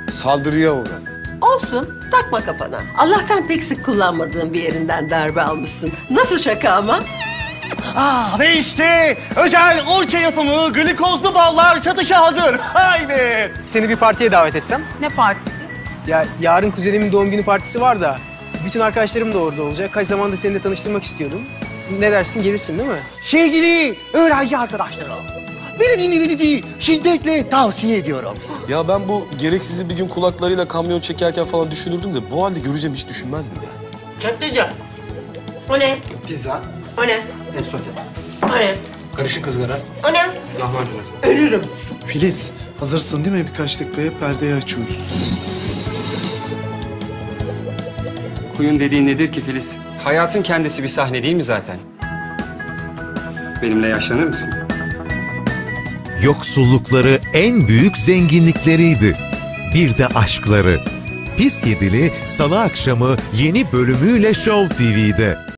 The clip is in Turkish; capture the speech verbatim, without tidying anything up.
Saldırıya uğradım. Olsun, takma kafana. Allah'tan pek sık kullanmadığın bir yerinden darbe almışsın. Nasıl şaka ama? Aa, ve işte özel orça yapımı glikozlu ballar satışa hazır. Haydi. Seni bir partiye davet etsem? Ne partisi? Ya yarın kuzenimin doğum günü partisi var da bütün arkadaşlarım da orada olacak. Kaç zamandır seni de tanıştırmak istiyordum. Ne dersin, gelirsin değil mi? Sevgili öğrenci arkadaşlarım, beni dinlemenizi şiddetle tavsiye ediyorum. Ya ben bu gereksizi bir gün kulaklarıyla kamyon çekerken falan düşünürdüm de bu halde göreceğim hiç düşünmezdim ya. Köfteci. O ne? Pizza, O ne? ensote, O ne? karışık ızgara, O ne? lahmacun. Ölürüm. Filiz, hazırsın değil mi? Birkaç dakikaya perdeyi açıyoruz. Kuyun dediğin nedir ki Filiz? Hayatın kendisi bir sahne değil mi zaten? Benimle yaşlanır mısın? Yoksullukları en büyük zenginlikleriydi. Bir de aşkları. Pis Yedili Salı akşamı yeni bölümüyle Show T V'de.